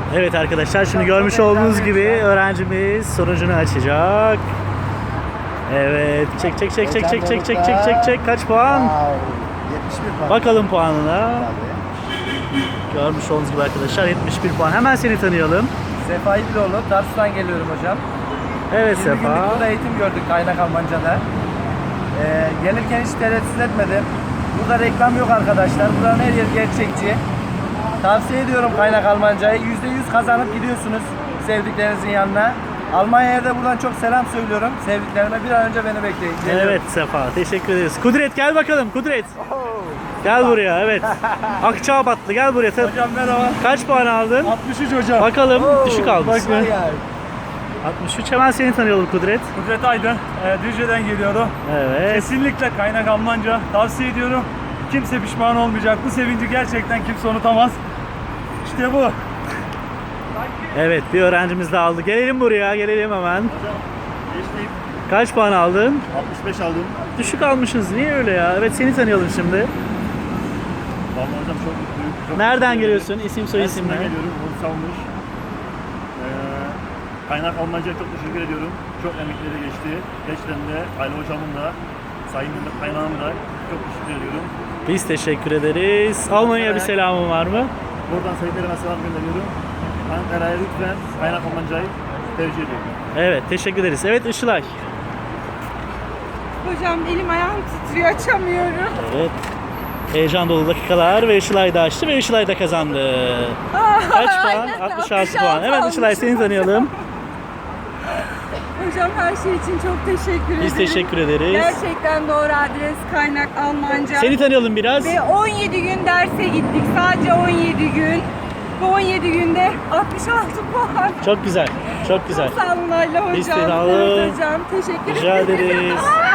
Evet arkadaşlar, şimdi görmüş olduğunuz gibi öğrencimiz sonucunu açacak. Evet, çek. Kaç puan? Wow, 71 puan. Bakalım puanına. Tabii. Görmüş olduğunuz gibi arkadaşlar 71 puan. Hemen seni tanıyalım. Sefa İdiloğlu, Tarsus'tan geliyorum hocam. Evet 20 günlük Sefa. burada eğitim gördük Kaynak Almanca'da. Gelirken hiç tereddüt etmedim. Burada reklam yok arkadaşlar. Buranın her yeri gerçekçi. Tavsiye ediyorum Kaynak Almanca'yı. %100 kazanıp gidiyorsunuz sevdiklerinizin yanına. Almanya'ya da buradan çok selam söylüyorum. Sevdiklerime bir an önce beni bekleyin. Geliyorum. Evet Sefa, teşekkür ederiz. Kudret gel bakalım, Kudret. Gel buraya, evet. Akçaabatlı gel buraya. Hocam merhaba. Kaç puan aldın? 63 hocam. Bakalım, düşük almışsın. Bakın. 63, hemen seni tanıyalım Kudret. Kudret Aydın, Düzce'den geliyorum. Evet. Kesinlikle Kaynak Almanca tavsiye ediyorum. Kimse pişman olmayacak. Bu sevinci gerçekten kimse unutamaz. İşte bu. Evet, bir öğrencimiz daha aldı. Gelelim buraya, gelelim hemen. Geçtik. Kaç puan aldın? 65 aldım. Düşük almışsınız. Niye öyle ya? Evet, seni tanıyalım şimdi. Vallahi hocam çok mutluyum. Çok Nereden mutluyum. geliyorsun? İsim soy isim Mersin'den ne? geliyorum. Onu savunmuş. Kaynak Almanca'ya çok teşekkür ediyorum. Çok emekleri geçti. Gerçekten de Ayla hocamın da, Sayın Mehmet Kaynağ'ın da çok teşekkür ediyorum. Biz teşekkür ederiz. Almanya'ya bir selamın var mı? Buradan sevgilerime selam gönderiyorum. Ankara'ya lütfen Kaynak Almanca'yı tercih ediyorum. Evet, teşekkür ederiz. Evet, Işılay. Hocam elim ayağım titriyor, açamıyorum. Evet. Heyecan dolu dakikalar ve Işılay da açtı ve Işılay da kazandı. Kaç puan? aynen, 66 puan. 66 Evet Işılay, seni tanıyalım. Hocam her şey için çok teşekkür ederim. Biz teşekkür ederiz. Gerçekten doğru adres Kaynak Almanca. Seni tanıyalım biraz. Ve 17 gün derse gittik. Sadece 17 gün. Bu 17 günde 66 puan. Çok güzel. Çok güzel. Sağ olun Ayla hocam. Biz sağ olun. Evet hocam. Teşekkür Rica ederim. ederiz.